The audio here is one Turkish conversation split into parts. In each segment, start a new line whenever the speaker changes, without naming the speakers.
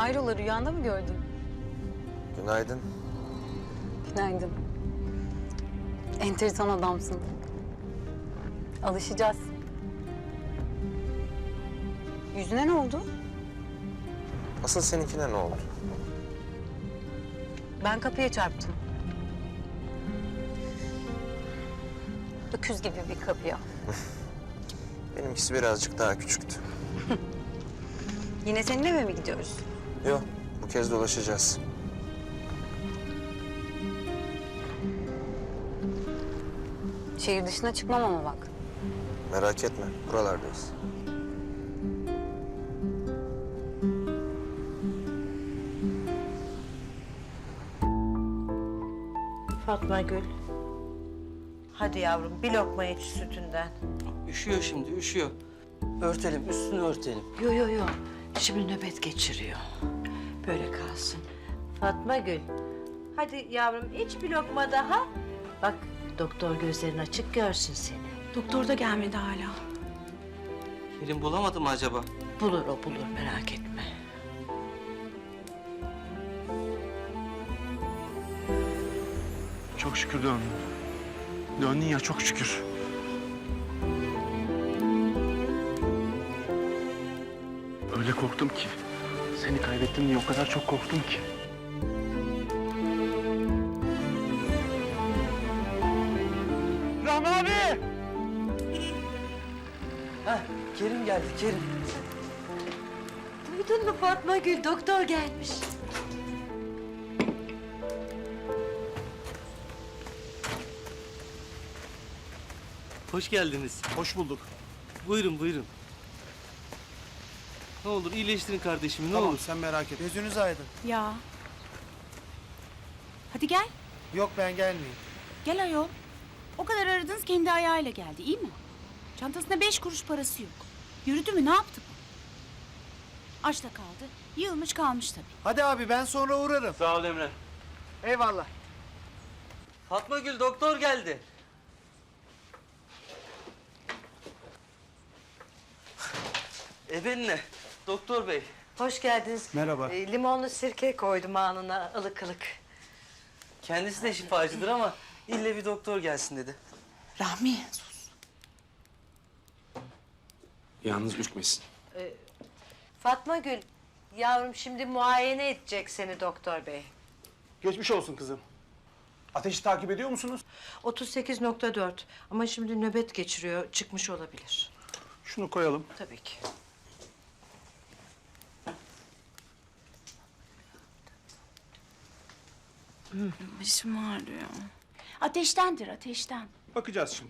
Hayrola, rüyanda mı gördün?
Günaydın.
Günaydın. Enteresan adamsın. Alışacağız. Yüzüne ne oldu?
Asıl seninkine ne oldu?
Ben kapıya çarptım. Öküz gibi bir kapıya.
Benimkisi birazcık daha küçüktü.
Yine senin eve mi gidiyoruz?
Yok, bu kez dolaşacağız.
Şehir dışına çıkmam ama bak.
Merak etme, buralardayız.
Fatma Gül. Hadi yavrum bir lokma iç sütünden.
Üşüyor şimdi, üşüyor. Örtelim, üstünü örtelim.
Yo. Şimdi nöbet geçiriyor. Böyle kalsın. Fatma Gül. Hadi yavrum iç bir lokma daha. Bak doktor gözlerin açık görsün seni.
Doktor da gelmedi hala.
Kerim bulamadı mı acaba?
Bulur o bulur merak etme.
Çok şükür döndün. Döndün ya, çok şükür. Öyle korktum ki. Seni kaybettim diye o kadar çok korktum ki. Rahmi abi!
Heh, Kerim geldi, Kerim.
Duydun mu Fatma Gül doktor gelmiş.
Hoş geldiniz.
Hoş bulduk.
Buyurun, buyurun. Ne olur iyileştirin kardeşimi, ne
Tamam
olur.
sen merak etme. Gözünüz aydın.
Ya. Hadi gel.
Yok ben gelmeyeyim.
Gel ayol. O kadar aradınız kendi ayağıyla geldi, iyi mi? Çantasında 5 kuruş parası yok. Yürüdü mü, ne yaptı bu? Açta kaldı. Yığılmış kalmış tabii.
Hadi abi ben sonra uğrarım.
Sağ ol Emre.
Eyvallah.
Fatma Gül, doktor geldi. Ebenle, doktor bey.
Hoş geldiniz.
Merhaba.
Limonlu sirke koydum alnına ılık ılık.
Kendisi de şifacıdır ama ille bir doktor gelsin dedi.
Rahmi, sus.
Yalnız ürkmesin.
Fatma Gül yavrum şimdi muayene edecek seni doktor bey.
Geçmiş olsun kızım. Ateşi takip ediyor musunuz?
38,4 ama şimdi nöbet geçiriyor çıkmış olabilir.
Şunu koyalım.
Tabii ki.
Başım ağrıyor. Ateştendir, ateşten.
Bakacağız şimdi.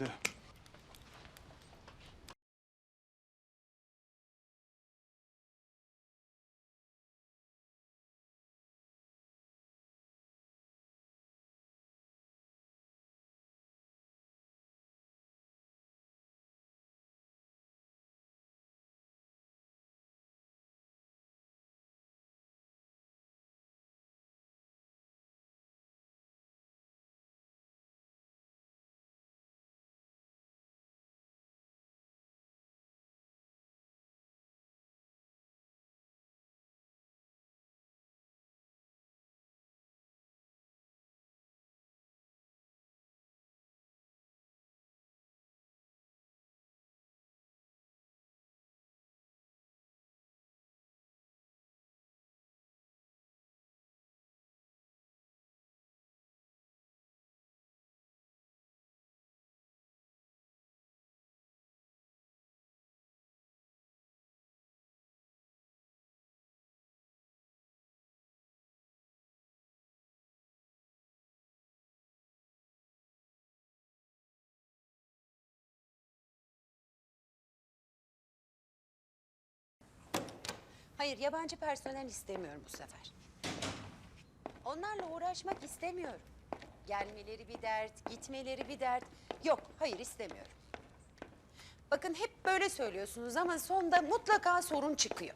Hayır, yabancı personel istemiyorum bu sefer. Onlarla uğraşmak istemiyorum. Gelmeleri bir dert, gitmeleri bir dert. Yok, hayır istemiyorum. Bakın hep böyle söylüyorsunuz ama sonunda mutlaka sorun çıkıyor.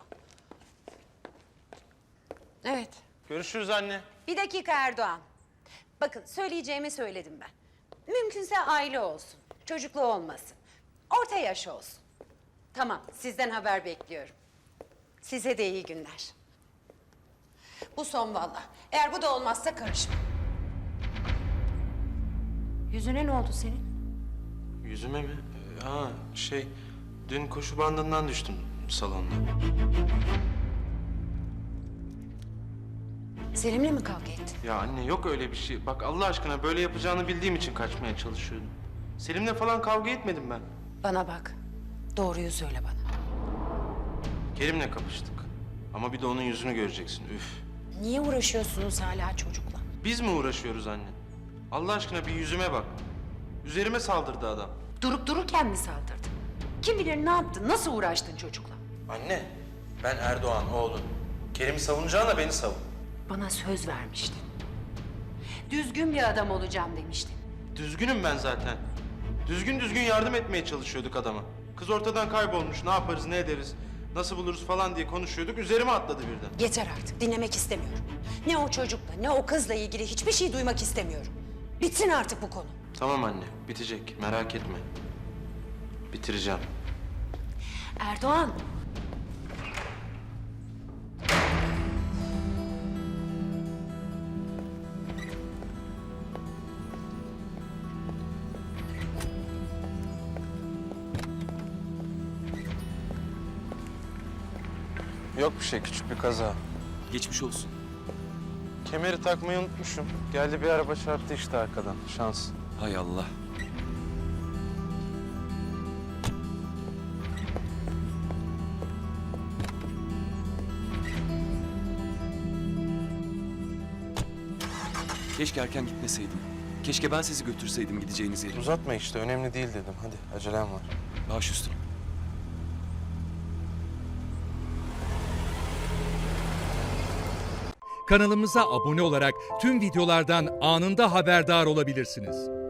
Evet.
Görüşürüz anne.
Bir dakika Erdoğan. Bakın söyleyeceğimi söyledim ben. Mümkünse aile olsun, çocuklu olmasın. Orta yaş olsun. Tamam, sizden haber bekliyorum. Size de iyi günler. Bu son valla. Eğer bu da olmazsa karışma. Yüzüne ne oldu senin?
Yüzüme mi? Dün koşu bandından düştüm salonda.
Selim'le mi kavga ettin?
Ya anne yok öyle bir şey. Bak Allah aşkına böyle yapacağını bildiğim için kaçmaya çalışıyordum. Selim'le falan kavga etmedim ben.
Bana bak. Doğruyu söyle bana.
Kerim'le kapıştık. Ama bir de onun yüzünü göreceksin. Üf.
Niye uğraşıyorsunuz hala çocukla?
Biz mi uğraşıyoruz anne? Allah aşkına bir yüzüme bak. Üzerime saldırdı adam.
Durup dururken mi saldırdın? Kim bilir ne yaptın? Nasıl uğraştın çocukla?
Anne, ben Erdoğan oğlun. Kerim'i savunacağına beni savun.
Bana söz vermiştin. Düzgün bir adam olacağım demiştin.
Düzgünüm ben zaten. Düzgün yardım etmeye çalışıyorduk adama. Kız ortadan kaybolmuş, ne yaparız, ne ederiz, nasıl buluruz falan diye konuşuyorduk. Üzerime atladı birden.
Yeter artık. Dinlemek istemiyorum. Ne o çocukla ne o kızla ilgili hiçbir şey duymak istemiyorum. Bitsin artık bu konu.
Tamam anne, bitecek. Merak etme. Bitireceğim.
Erdoğan.
Yok bir şey, küçük bir kaza.
Geçmiş olsun.
Kemeri takmayı unutmuşum. Geldi bir araba çarptı işte arkadan. Şans.
Hay Allah. Keşke erken gitmeseydim. Keşke ben sizi götürseydim gideceğiniz yere.
Uzatma işte, önemli değil dedim. Hadi, acelem var.
Baş üstüne.
Kanalımıza abone olarak tüm videolardan anında haberdar olabilirsiniz.